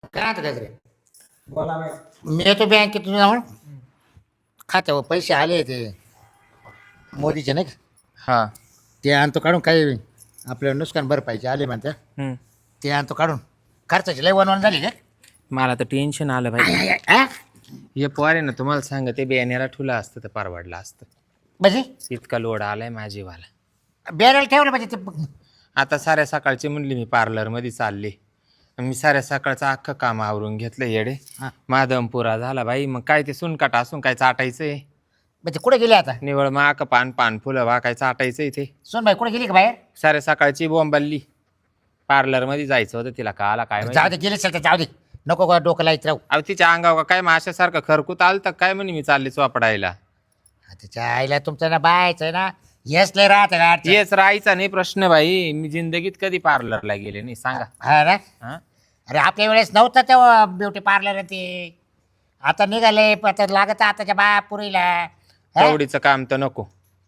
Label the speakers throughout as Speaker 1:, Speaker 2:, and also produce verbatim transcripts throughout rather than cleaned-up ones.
Speaker 1: काय आता काय रे
Speaker 2: बोला बाई.
Speaker 1: मी येतो बँकेतून जाऊन खात्यावर पैसे आले ते मोदीचे नाही का
Speaker 3: हा.
Speaker 1: ते आणतो काढून काही आपलं नुकसान भरपाईचे आले म्हणत्या
Speaker 3: हम्म.
Speaker 1: ते आणतो काढून खर्चाची लय वनवन झाली का
Speaker 3: मला तर टेन्शन आलं भाई.
Speaker 1: आ?
Speaker 3: हे पोर आहे ना तुम्हाला सांग ते बियाण्याला ठुला असतं तर परवडलं असतं.
Speaker 1: म्हणजे
Speaker 3: इतका लोड आलाय माझीवाला.
Speaker 1: बेरेल ठेवलं म्हणजे ते
Speaker 3: आता साऱ्या सकाळची म्हणली मी पार्लरमध्ये चालले. मी साऱ्या सकाळचं अख्खं काम आवरून घेतलं येडे.
Speaker 1: हा.
Speaker 3: मादमपुरा झाला बाई. मग काय ते सुनकाट असून काय चाटायचंय.
Speaker 1: म्हणजे कुठे गेले आता
Speaker 3: निवळ माक पान पान फुलं वा काय चाटायचंय ते.
Speaker 1: सोनबाई कुठे गेली का बाहेर
Speaker 3: साऱ्या सकाळची बोंबालली. पार्लरमध्ये जायचं होतं तिला का आला काय
Speaker 1: जाऊ
Speaker 3: माहिती.
Speaker 1: दे गेले चल जाऊ दे नको का डोकं लाईत राहू
Speaker 3: अहो तिच्या अंगावर काय माशासारखं खरकूत आलं तर काय म्हणे मी चालले चोपडायला.
Speaker 1: त्याच्या आईला तुमचं ना बायचं आहे ना येस लय राहत का
Speaker 3: येच राहायचा नाही प्रश्न बाई. मी जिंदगीत कधी पार्लरला गेले नाही सांगा.
Speaker 1: हा ना
Speaker 3: हा?
Speaker 1: अरे आपल्या वेळेस नव्हतं तेव्हा ब्युटी पार्लर ते आता निघाले पण आता लागत आताच्या बाया पुरीला हा?
Speaker 3: तेवढीचं काम तर नको.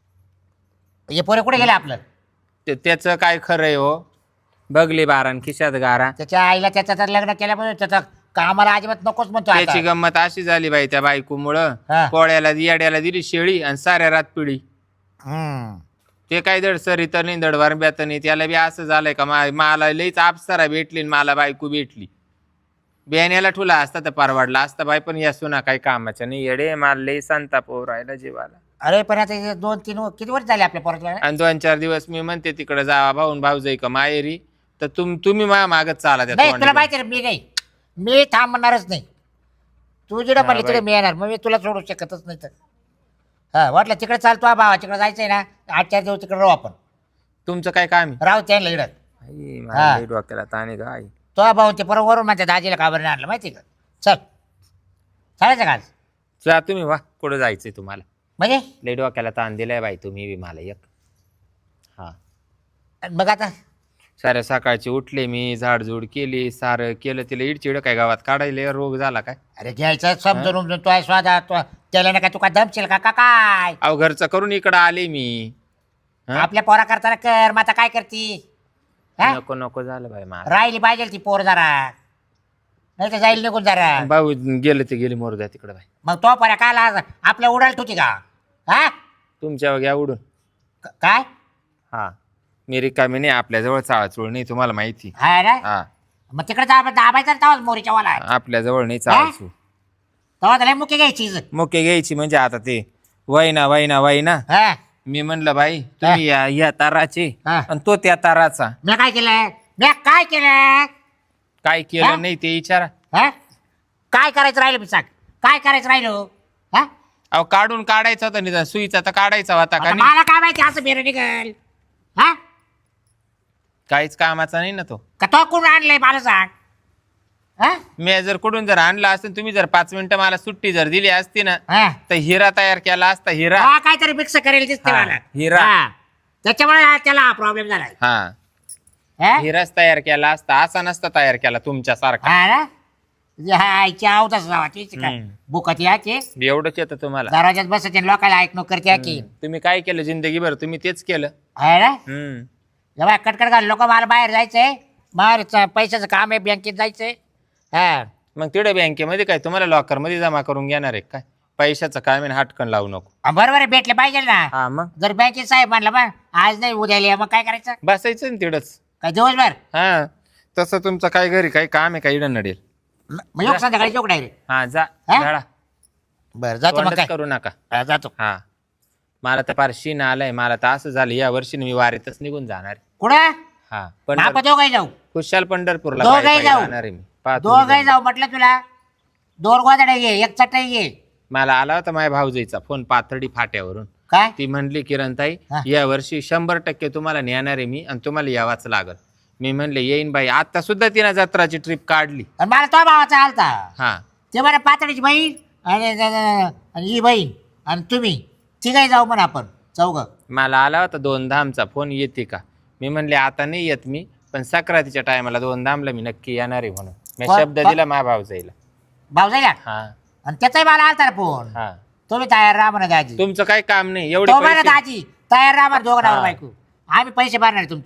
Speaker 1: हे पोरे कुठे गेले आपलं
Speaker 3: ते त्याचं काय खरंय हो. बघली बारा न खिशात गारा.
Speaker 1: त्याच्या आईला त्याचं तर लग्न केल्यापासून त्याचं कामाला अजिबात नकोच म्हणतो आता.
Speaker 3: त्याची गंमत अशी झाली बाई त्या बायकोमुळं.
Speaker 1: हा.
Speaker 3: पोळ्याला येड्याला दिली शेळी आणि साऱ्या रात पिढी.
Speaker 1: हम्म.
Speaker 3: ते काय दड सरी तर नाही दड वरब्यात नाही. त्याला बी असं झालंय का मा- मला लईच आपसारा भेटली आणि मला बायको भेटली. बियाण्याला ठुला असता तर परवडला असता बाई. पण या सुना काही कामाच्या नाही येडे. मला लई संताप होऊ राहिला जीवाला.
Speaker 1: अरे पण आता हे दोन तीन व- किती वर्ष झाले आपल्या पोराला
Speaker 3: आणि दोन चार दिवस मी म्हणते तिकडे जावा भाऊन भाऊजाई का माहेरी तर तुम तुम्ही माझ्या मागत चाला त्या
Speaker 1: नाही तुला
Speaker 3: तोंडाने.
Speaker 1: माहिती आहे ना, मी नाही मी थांबणारच नाही तू जिडं
Speaker 3: हा,
Speaker 1: पण तिकडे
Speaker 3: बाई.
Speaker 1: मी येणार मग मी तुला सोडू शकतच नाही तर हा वाटलं तिकडे चालतो हा भावा तिकडे जायचंय ना आठ चार दिवस तिकडे राहू आपण
Speaker 3: तुमचं काय काम आहे.
Speaker 1: राहू त्यांना इडत
Speaker 3: आई,
Speaker 1: हा.
Speaker 3: मला लई डोक्याला ताण आहे गं, आई.
Speaker 1: तो भाऊ ते परत वरून म्हणते दाजीला का बरं नाही आणलं माहिती आहे का चल चालायचं का आज
Speaker 3: जा तुम्ही वा कुठं जायचंय तुम्हाला.
Speaker 1: म्हणजे
Speaker 3: लई डोक्याला ताण दिलाय बाई तुम्ही बी मला एक. हा.
Speaker 1: मग आता
Speaker 3: साऱ्या सकाळची उठले मी झाडझूड केली सारं केलं तिला इडचिड काय गावात काढायला रोग झाला काय.
Speaker 1: अरे घ्यायचं समजून उमजून तो आहे स्वादा तो त्याला नाही का तू का दमशील का का काय
Speaker 3: अहो घरचं करून इकडं आले मी. हा?
Speaker 1: आपल्या पोरा करताना कर मग आता काय करती हा?
Speaker 3: नको नको झालं बाई मला.
Speaker 1: राहिली पाहिजे ती पोर जरा नाही तर जाईल निघून जरा
Speaker 3: भाऊ गेले ते गेले मोरू द्या तिकडं बाई.
Speaker 1: मग तो पर्या काय लाज आपल्या उडाल तुझी का हा
Speaker 3: तुमच्या घ्या उडून.
Speaker 1: क- काय
Speaker 3: हा मी रिकामी नाही आपल्याजवळ चाळचूळ नाही तुम्हाला माहिती.
Speaker 1: हा ना
Speaker 3: हा
Speaker 1: मग तिकडे जा दाबायचा तवाच मोरीच्या वाला
Speaker 3: आपल्याजवळ नाही चाळचूळ.
Speaker 1: तेव्हा त्याला मुख्य घ्यायची
Speaker 3: मुके घ्यायची म्हणजे आता ते वैना वैना वैना.
Speaker 1: हा
Speaker 3: मी म्हणलं बाई तुम्ही या या ताराचे
Speaker 1: हा.
Speaker 3: आणि तो त्या ताराचा.
Speaker 1: मी काय केलं मी काय केलं
Speaker 3: काय
Speaker 1: हा?
Speaker 3: केलं नाही ते विचारा.
Speaker 1: हा काय करायचं राहिलं मी सांग काय करायचं राहिलो हा
Speaker 3: अहो काढून काढायचा होता निदान सुईचा तर काढायचा होता का
Speaker 1: आता
Speaker 3: नाही.
Speaker 1: मला काय माहिती असं बेर निघल हा
Speaker 3: काहीच कामाचा नाही ना तो.
Speaker 1: का तो कोण आणलंय मला सांग हा
Speaker 3: मी जर कुठून जर आणला असतं तुम्ही जर पाच मिनिटं मला सुट्टी जर दिली असती ना
Speaker 1: हा
Speaker 3: तर हिरा तयार केला असता हिरा.
Speaker 1: हा, काहीतरी मिक्स करेल दिसते
Speaker 3: हा,
Speaker 1: मला
Speaker 3: हिरा.
Speaker 1: हा. त्याच्यामुळे हा त्याला हा प्रॉब्लेम झाला
Speaker 3: हा
Speaker 1: हा?
Speaker 3: हिराच तयार केला असता असा नसता तयार केला तुमच्यासारखा.
Speaker 1: हा ना हा आईची आवतच जावाची
Speaker 3: हम्म.
Speaker 1: बुकत याची
Speaker 3: एवढंच येतं तुम्हाला.
Speaker 1: दरवाज्यात बसायचे लोकांना ऐकणं करते याची
Speaker 3: हम्म. तुम्ही काय केलं जिंदगीभर तुम्ही तेच केलं.
Speaker 1: हा ना
Speaker 3: हम्म.
Speaker 1: जेव्हा कटकट घाल लोक मला बाहेर जायचंय मार पैशाचं काम आहे बँकेत जायचंय हा
Speaker 3: मग तिकडे बँकेमध्ये काय तुम्हाला लॉकर मध्ये जमा करून घेणार आहे काय. पैशाचं काय मी हाटकन लावू नको.
Speaker 1: हा, बरोबर आहे भेटले पाहिजे ना
Speaker 3: हा मग
Speaker 1: जर बँकेत साहेब म्हणलं मग आज नाही उद्या लिहा मग काय करायचं
Speaker 3: बसायचं ना तिकडंच.
Speaker 1: काय दिवसभर
Speaker 3: हा तसं तुमचं काय घरी काही काम आहे का इडं नडेल.
Speaker 1: मग योग संध्याकाळी चौक डायरेक्ट
Speaker 3: हा जा
Speaker 1: हा?
Speaker 3: झाडा.
Speaker 1: बरं जातो मग
Speaker 3: तोंडच
Speaker 1: काय
Speaker 3: करू नका.
Speaker 1: हा, जातो
Speaker 3: हा मला तर फार शीन आलाय. मला तर असं झालं या वर्षी मी वारीतच निघून जाणार आहे.
Speaker 1: कुठं
Speaker 3: हा
Speaker 1: आपण
Speaker 3: पण
Speaker 1: दोघंही जाऊ
Speaker 3: खुशाल पंढरपूरला
Speaker 1: दोघंही
Speaker 3: पायी पायी
Speaker 1: जाऊ.
Speaker 3: जाणार आहे मी. पहा तुम्ही
Speaker 1: दोघंही
Speaker 3: जाऊन.
Speaker 1: जाऊ म्हटलं तुला दोन गोदडे घे एक चटई घे
Speaker 3: मला आला होता माझ्या भाऊजाईचा फोन पाथर्डी फाट्यावरून.
Speaker 1: काय
Speaker 3: ती म्हणली किरणताई
Speaker 1: हा.
Speaker 3: या वर्षी शंभर टक्के तुम्हाला नेणार आहे मी आणि तुम्हाला यावाच लागल. मी म्हणले येईन बाई. आता सुद्धा तिनं जत्राची ट्रिप काढली.
Speaker 1: आणि मला तो भावाचा आलता
Speaker 3: हा
Speaker 1: ते बरं पातळीची बहीण आणि आणि ही बहीण आणि तुम्ही तिघही जाऊ म्हणा आपण चौघ
Speaker 3: मला आला होता दोन धामचा फोन येते का. मी म्हणले आता नाही येत मी पण सक्रातीच्या टायमाला दोन धामला मी नक्की येणार आहे म्हणून मी
Speaker 1: को-
Speaker 3: शब्द
Speaker 1: को-
Speaker 3: दिला माझ्या भाऊजाईला.
Speaker 1: भाऊ जायला
Speaker 3: हा
Speaker 1: आणि त्याचाही मला आलता ना फोन
Speaker 3: हा
Speaker 1: तुम्ही तयार राहा म्हणा दाजी
Speaker 3: तुमचं काही काम नाही एवढे
Speaker 1: तो म्हणा
Speaker 3: पैसे.
Speaker 1: दाजी तयार राहा म्हणा दोघं
Speaker 3: हा.
Speaker 1: नवरा बायको आम्ही पैसे भरणार तुमचे
Speaker 3: हा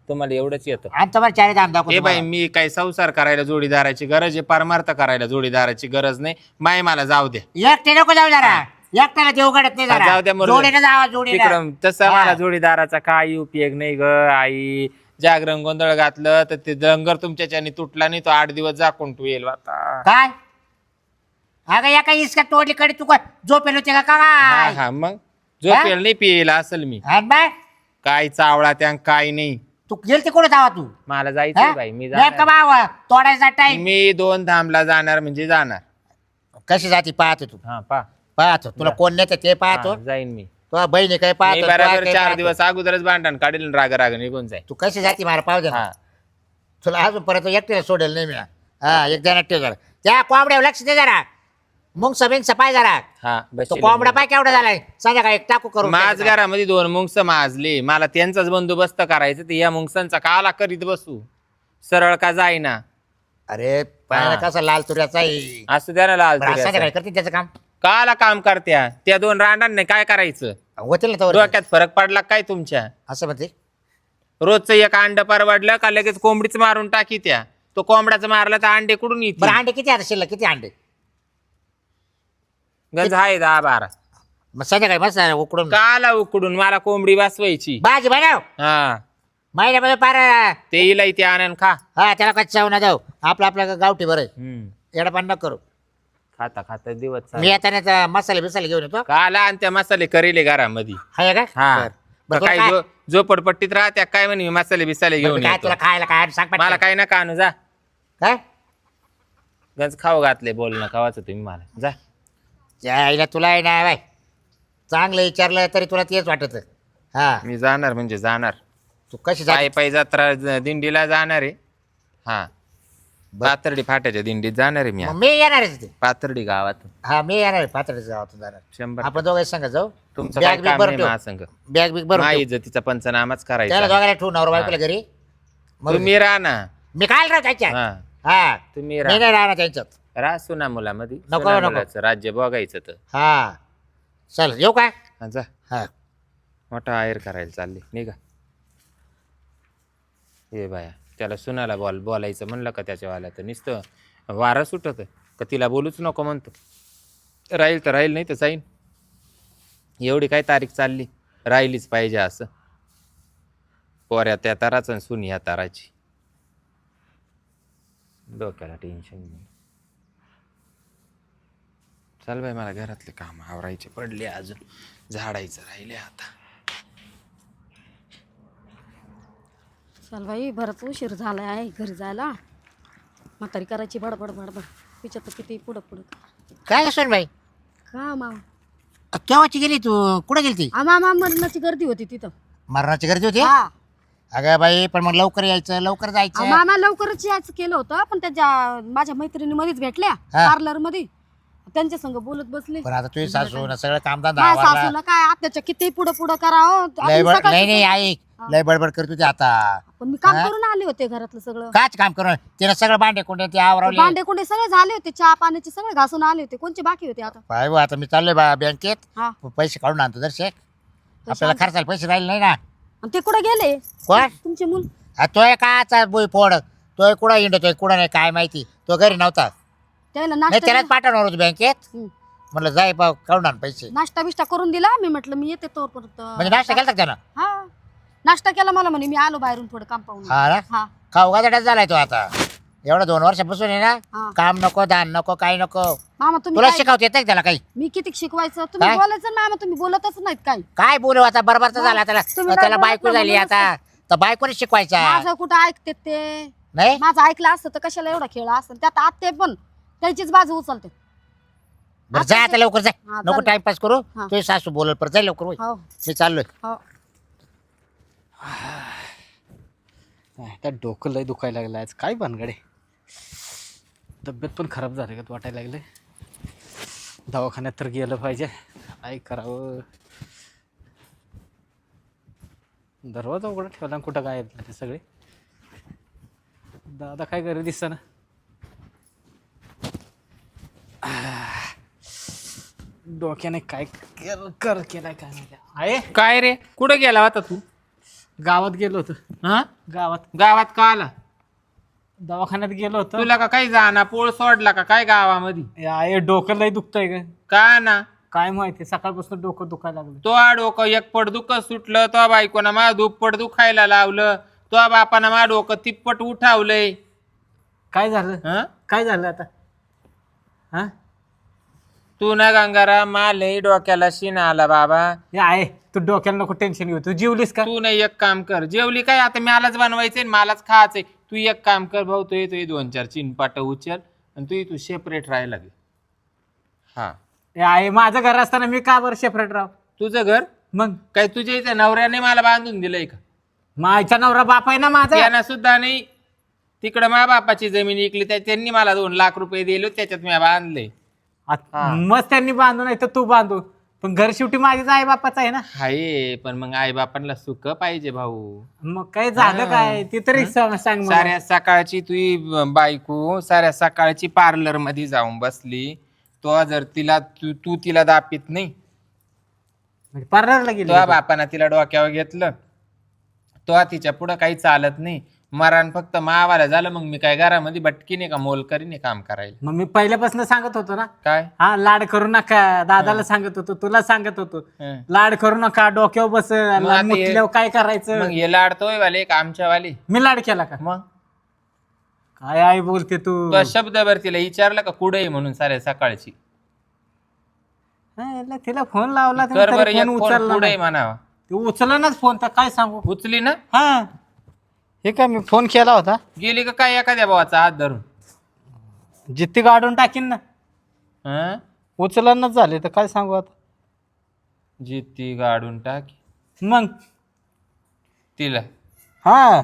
Speaker 3: तुम्हाला एवढंच येतं.
Speaker 1: आणि तुम्हाला चारी दाम दाखवतो
Speaker 3: ए बाई
Speaker 1: तुम्हाला.
Speaker 3: मी काही संसार करायला जोडीदाराची गरज आहे, परमार्थ करायला जोडीदाराची गरज नाही. माय मला जाऊ द्या.
Speaker 1: एकटे नको जाऊ जरा, एकट्याला देऊ घडत नाही
Speaker 3: हा,
Speaker 1: जरा.
Speaker 3: जाऊ द्या मरू
Speaker 1: जोडीनं जावा जोडीनं.
Speaker 3: तिकडं तसं
Speaker 1: हा.
Speaker 3: मला जोडीदाराचा काही उपयोग नाही ग आई. जागरण गोंधळ घातलं तर ते डंगर तुमच्याच्याने तुटला नाही, तो आठ दिवस जाकून तू येईल आता.
Speaker 1: काय अगं या काही इसका तोडली कडे तू झोपेल होते का
Speaker 3: हा
Speaker 1: काय?
Speaker 3: हा मग झोपेल नाही पियला असेल मी.
Speaker 1: आणि बाय
Speaker 3: काय चावळा त्या काय नाही.
Speaker 1: तू गेलती कुठे जावा तू?
Speaker 3: मला जायचं बाई, मी
Speaker 1: नेमका
Speaker 3: जाणार.
Speaker 1: बावा तोडायचा टाइम.
Speaker 3: मी दोन धामला जाणार म्हणजे जाणार.
Speaker 1: कशी जाती पाहतो तू,
Speaker 3: हा पा
Speaker 1: पाहतो तुला कोण नेते ते पाहतो.
Speaker 3: हा, जाईन मी.
Speaker 1: तुझ्या बहिणी काय
Speaker 3: मी
Speaker 1: पाहतो, तुला
Speaker 3: बरोबर
Speaker 1: काय
Speaker 3: चार
Speaker 1: पाहतो.
Speaker 3: दिवस अगोदरच भांडण काढेल राग राग निघून जाईल.
Speaker 1: तू कशी जाती मला पाहू दे ना.
Speaker 3: हा
Speaker 1: तुला अजून परत एकट्याला सोडेल नाही मी. हा एक जण ठेव जरा, त्या कोंबड्यावर लक्ष दे जरा. मुंग सबिंग सपाय जरा.
Speaker 3: हा
Speaker 1: तो
Speaker 3: बसेल
Speaker 1: कोंबडा
Speaker 3: मी.
Speaker 1: पाय केवढा झालाय, संध्याकाळी एक टाकू करून
Speaker 3: माझ घरामध्ये दोन मुंगस माजले, मला त्यांचाच बंदोबस्त करायचं. ते या मुंगसांचा काला करीत बसू, सरळ का जाईना.
Speaker 1: अरे पायाला
Speaker 3: हा.
Speaker 1: कसा लाल तुऱ्याचा आहे.
Speaker 3: असं द्या ना लाल
Speaker 1: बरं,
Speaker 3: तुऱ्याचं.
Speaker 1: संध्याकाळी करते त्याचं काम.
Speaker 3: काला काम करत्या त्या दोन रांडांनी काय करायचं.
Speaker 1: होतील ना तोवर.
Speaker 3: डोक्यात फरक पडला काय तुमच्या.
Speaker 1: असं म्हणते.
Speaker 3: रोजचं एक अंड परवडलं का लगेच कोंबडीच मारून टाकी त्या. तो कोंबडाचं मारला तर अंडे कुठून
Speaker 1: बरं
Speaker 3: येते.
Speaker 1: अंडे किती आता शिल्लक, किती अंडे?
Speaker 3: गंज आहे दहा बारा.
Speaker 1: मग संध्याकाळी मस्त उकडून
Speaker 3: काला उकडून मला कोंबडी वाचवायची.
Speaker 1: भाजी बनव.
Speaker 3: हा
Speaker 1: महिन्यामध्ये पार.
Speaker 3: ते इला इथे आणून खा.
Speaker 1: हा त्याला कच्चा चाव ना जाऊ, आपलं आपलं गावठी बरं
Speaker 3: हम्म.
Speaker 1: येडपान न करू.
Speaker 3: खाता खाता दिवस
Speaker 1: मी
Speaker 3: चालले.
Speaker 1: येताना त्या मसाले बिसाले घेऊन येतो.
Speaker 3: काला आणि त्या मसाले करेले घरामध्ये.
Speaker 1: हाय का?
Speaker 3: हा
Speaker 1: बरं. बरं, तुला
Speaker 3: काय
Speaker 1: काय-
Speaker 3: जो झोपडपट्टीत राहत्या काय म्हणे मसाले बिसाले
Speaker 1: बरं,
Speaker 3: घेऊन
Speaker 1: काय
Speaker 3: येतो.
Speaker 1: तुला खायला काय सांग पटकन.
Speaker 3: मला काही नका आणू जा.
Speaker 1: काय
Speaker 3: गंज खाऊ घातले बोलणं खावाचं तुम्ही मला जा.
Speaker 1: यायला तुला आहे ना बाय, चांगलं विचारलं तरी तुला तेच वाटत. हा
Speaker 3: मी जाणार म्हणजे जाणार.
Speaker 1: तू कशी
Speaker 3: पायी
Speaker 1: जाय?
Speaker 3: पायी जत्रा ज- दिंडीला जाणार आहे. हा पाथर्डी फाट्याच्या दिंडीत जाणार आहे मी
Speaker 1: मग मी येणार आहे तिथे.
Speaker 3: पाथर्डी गावात
Speaker 1: हा मी येणार आहे पातळीचं गावातून जाणार.
Speaker 3: शंभर
Speaker 1: आपण दोघे संग जाऊ.
Speaker 3: तुमचं
Speaker 1: बॅग
Speaker 3: काय
Speaker 1: बिग
Speaker 3: काम
Speaker 1: भरून
Speaker 3: नाही
Speaker 1: ठेव.
Speaker 3: महासंघ.
Speaker 1: बॅग बिग बरं
Speaker 3: माझ्या इज्जतीचा पंचनामाच
Speaker 1: त्याला
Speaker 3: करायचा.
Speaker 1: दोघांना ठेवून नवरा बायकोला घरी. मग
Speaker 3: तुम्ही राहा ना.
Speaker 1: मी काय राहू त्याच्यात.
Speaker 3: हा
Speaker 1: हा
Speaker 3: तुम्ही
Speaker 1: मी
Speaker 3: राहा
Speaker 1: नाही राहणार त्यांच्यात.
Speaker 3: राहा सुना मुलामध्ये.
Speaker 1: नको,
Speaker 3: सुना
Speaker 1: नको.
Speaker 3: मुलाचं राज्य बघायचं तर.
Speaker 1: हा चल येऊ काय?
Speaker 3: हा, जा
Speaker 1: हा
Speaker 3: मोठा आयर करायला चालले निघा. ये बाया त्याला सुनाला बोल बोलायचं म्हणलं का त्याच्यावाला तर नुसतं वारं सुटत का तिला बोलूच नको म्हणतो. राहील तर राहील नाही तर जाईन. एवढी काय तारीख चालली राहिलीच पाहिजे असं. पोऱ्या त्या ताराचं आणि सुनी ह्या ताराची. डोक्याला टेन्शन नाही. चल बाई मला घरातले काम आवरायचे पडले, अजून झाडायचं राहिले आता.
Speaker 2: चल बाई बरंच उशीर झाला आहे घरी जायला. म्हातारी करायची बडबड बडबड. विचारतं किती पुढं पुढं.
Speaker 1: काय सोन बाई,
Speaker 2: का माव
Speaker 1: केव्हाची गेली तू? कुठे गेली ती?
Speaker 2: आमा आमा मरणाची गर्दी होती तिथं.
Speaker 1: मरणाची गर्दी होती.
Speaker 2: हा
Speaker 1: अगं बाई पण मग लवकर यायचं, लवकर जायचं.
Speaker 2: मामा लवकरच यायचं केलं होतं, पण त्याच्या माझ्या मैत्रिणी मध्येच भेटल्या
Speaker 1: हा.
Speaker 2: पार्लर मध्ये. त्यांच्या संग बोलत बसले.
Speaker 1: पण आता तुझी सासू ना सगळं कामधंदा
Speaker 2: माझ्या
Speaker 1: आवरला.
Speaker 2: सासूला काय आत्याच्या किती पुढं पुढं करावं.
Speaker 1: लय
Speaker 2: आपण
Speaker 1: बड
Speaker 2: सकाळचं-
Speaker 1: नाही नाही ऐक, लय बडबड करत होती आता.
Speaker 2: पण मी काम
Speaker 1: हा?
Speaker 2: करून आले होते घरातलं सगळं.
Speaker 1: काच काम करून तिने सगळं भांडे कुंडे ते आवरवले.
Speaker 2: भांडे कुंडे सगळे झाले होते, चहा पाण्याचे सगळे घासून आले होते. कोणचे बाकी होते आता?
Speaker 1: पाय बुवा, आता मी चाललोय बा बँकेत.
Speaker 2: हा
Speaker 1: पैसे काढून आणतो जर शेक.
Speaker 2: पैसे
Speaker 1: आपल्याला
Speaker 2: आणतो.
Speaker 1: खर्चाला पैसे राहिले नाही ना.
Speaker 2: आणि ते कुठे गेले
Speaker 1: कोण?
Speaker 2: तुमचे मूल?
Speaker 1: आ, तोय काचा बोई फोड. तोय कुठं हिंडतोय कुठं नाही काय माहिती. तो घरी नव्हता.
Speaker 2: त्याला
Speaker 1: नाही
Speaker 2: नाश्ता
Speaker 1: त्यालाच पाठवणार होतो बँकेत.
Speaker 2: हम्म.
Speaker 1: म्हटलं जाय पाव काढून आण पैसे.
Speaker 2: नाश्ता बिष्टा करून दिला. मी म्हटलं मी येते तोवर परत.
Speaker 1: म्हणजे नाश्ता केला त्यानं?
Speaker 2: हा नाश्ता केला. मला म्हणे मी आलो बाहेरून थोडं काम पाहून.
Speaker 1: हा ना.
Speaker 2: हा
Speaker 1: खाऊ गाजडाच झालाय तो आता. एवढं दोन वर्षापासून आहे
Speaker 2: हा.
Speaker 1: ना. काम नको, दान नको, काही नको.
Speaker 2: मामा तुम्ही
Speaker 1: तुला
Speaker 2: काय-
Speaker 1: शिकवता येत त्याला काही?
Speaker 2: मी किती शिकवायचं तुम्ही
Speaker 1: काय?
Speaker 2: बोलायचं ना मामा. तुम्ही बोलतच नाहीत काही.
Speaker 1: काय बोलू आता, बरोबरचा
Speaker 2: मग
Speaker 1: झाला त्याला.
Speaker 2: तुम्ही
Speaker 1: त्याला
Speaker 2: काय
Speaker 1: बायको
Speaker 2: बोलत
Speaker 1: झाली
Speaker 2: नाही
Speaker 1: आता. तर बायकोने शिकवायचा
Speaker 2: माझं कुठं ऐकते ते.
Speaker 1: नाही.
Speaker 2: माझं ऐकलं असतं तर कशाला एवढा खेळ असतं. त्यात आत्ते पण त्याचीच बाजू उचलते.
Speaker 1: बरं जा आता लवकर जाय.
Speaker 2: हा,
Speaker 1: नको
Speaker 2: चालेल.
Speaker 1: टाइमपास करू.
Speaker 2: हा.
Speaker 1: तुझी सासू बोलत परत जाय लवकर होय.
Speaker 2: हो
Speaker 1: मी चाललोय.
Speaker 2: हो
Speaker 4: त्या डोकं लय दुखायला लागलं आज. काय भानगडे. तब्येत पण खराब झाली का वाटायला लागले. दवाखान्यात तर गेलं पाहिजे. काय करावं. दरवाजा उघडा ठेवला आणि कुठं काय ते सगळे. दादा काय घरी दिसतं ना. डोक्याने काय केलं कर केलाय काय माहिती आहे.
Speaker 3: काय रे कुठं गेला होता तू?
Speaker 4: गावात गेलो होतो.
Speaker 3: हा
Speaker 4: गावात
Speaker 3: गावात का आला
Speaker 4: दवाखान्यात गेलो होतो.
Speaker 3: तुला का काही जाना पोळ सोडला का काय गावामध्ये
Speaker 4: आहे डोकं लय दुखतंय ग.
Speaker 3: का ना
Speaker 4: काय माहिती सकाळपासून डोकं दुखायला लागलं.
Speaker 3: तो डोकं एक पट दुःख दुखलं तो बायकोनं मा दुप्पट दुखायला लावलं तो बापानं मा डोकं तिप्पट उठावलंय.
Speaker 4: काय झालं
Speaker 3: हं?
Speaker 4: काय झालं आता हा
Speaker 3: तू ना गंगारा मालही डोक्याला शिना आला बाबा.
Speaker 4: हे आहे तू डोक्याला नको टेन्शन घेऊ. तू जीवलीस का?
Speaker 3: तू नाही एक काम कर जेवली काय आता मलाच बनवायचंय मलाच खायचंय. तू एक काम कर भाऊ तू येतो दोन चार चिनपाट उचल आणि तू तू सेपरेट राहायला लागेल. हा
Speaker 4: हे आहे माझं घर असताना मी का बरं सेपरेट राव.
Speaker 3: तुझं घर
Speaker 4: मग
Speaker 3: काय तुझ्या इथे नवऱ्याने मला बांधून दिलंय का?
Speaker 4: माझ्या नवरा बाप आहे ना माझा.
Speaker 3: त्यांना सुद्धा नाही. तिकडं मा बापाची जमीन विकली त्या त्यांनी मला दोन लाख रुपये दिले त्याच्यात मी बांधले.
Speaker 4: आ- मस्त त्यांनी बांधू नाही तर तू बांधू पण घर शेवटी माझीच आई बापाच आहे ना.
Speaker 3: हाय पण मग आई बापांना सुख पाहिजे भाऊ.
Speaker 4: मग काय झालं काय ते तरी सांग सांग मला.
Speaker 3: साऱ्या सकाळची तुझी बायको साऱ्या सकाळची पार्लर मध्ये जाऊन बसली. तो जर तिला तू तू तिला दापित नाही
Speaker 4: म्हणजे पार्लरला गेली
Speaker 3: तो बापानं तिला डोक्यावर घेतलं तो तिच्या पुढं काही चालत नाही. मरण फक्त मावाला झालं मग मी काय घरामध्ये बटकीने का मोलकरीने काम करायला.
Speaker 4: मग मी पहिल्यापासून सांगत होतो ना
Speaker 3: काय
Speaker 4: हा लाड करू नका. दादाला सांगत होतो तुला सांगत होतो
Speaker 3: हं.
Speaker 4: लाड करू नका डोक्यावर बस
Speaker 3: आता हे-
Speaker 4: मुतल्यावर काय करायचं.
Speaker 3: मग हे लाडतोय वाले का आमच्या वाले
Speaker 4: मी लाड केला का?
Speaker 3: मग
Speaker 4: काय आई बोलते तू.
Speaker 3: तो शब्दभर तिला विचारलं का कुठे आहे म्हणून साऱ्या सकाळची
Speaker 4: हा, याला तिला फोन लावला
Speaker 3: कर
Speaker 4: तरी
Speaker 3: बरं एक
Speaker 4: फोन
Speaker 3: फोन
Speaker 4: उचलला
Speaker 3: कुठे
Speaker 4: नाही.
Speaker 3: म्हणावा.
Speaker 4: तू उचलनाच फोन तर काय सांगू.
Speaker 3: उचली ना
Speaker 4: हा हे काय मी फोन केला होता
Speaker 3: गेली का काय एखाद्या भावाचा हात धरून.
Speaker 4: जित्ती गाडून टाकीन ना.
Speaker 3: हं?
Speaker 4: उचलनाच झाले तर काय सांगू आता.
Speaker 3: जित्ती गाडून टाकी
Speaker 4: मग
Speaker 3: तिला
Speaker 4: हा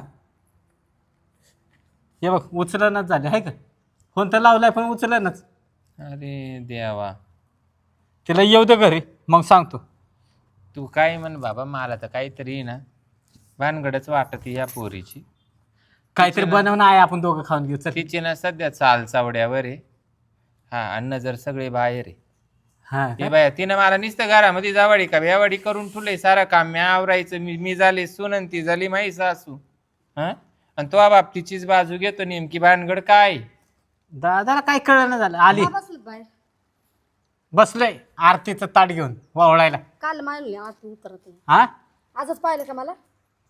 Speaker 4: हे बघ उचलनाच झाले आहे का. फोन तर लावलाय पण उचलनाच.
Speaker 3: अरे देवा
Speaker 4: तिला येऊ दे घरी मग सांगतो.
Speaker 3: तू काय म्हण बाबा मला तर काहीतरी ना भानगडच वाटत या पोरीची.
Speaker 4: काहीतरी बनवणं आहे आपण दोघं खाऊन घेऊ चल.
Speaker 3: तिची ना सध्या चाल चावड्यावर आहे. हा अन्न जर सगळे बाहेर आहे
Speaker 4: हा
Speaker 3: हे बाया तिनं मला नुसतं घरामध्ये जावाडी का बेवाडी करून ठुले सारं काम मी आवरायचं मी मी झाले सुनन ती झाली माई सासू. हा आणि तो बाप तिचीच बाजू घेतो नेमकी भानगड काय.
Speaker 4: दादाला काय कळलं झालं. आली
Speaker 2: बसलं बाहेर
Speaker 4: बसलंय आरतीचं ताट घेऊन वावळायला.
Speaker 2: काल मानले आज तू उतरत आहे.
Speaker 4: हा
Speaker 2: आजच पाहिलं का मला.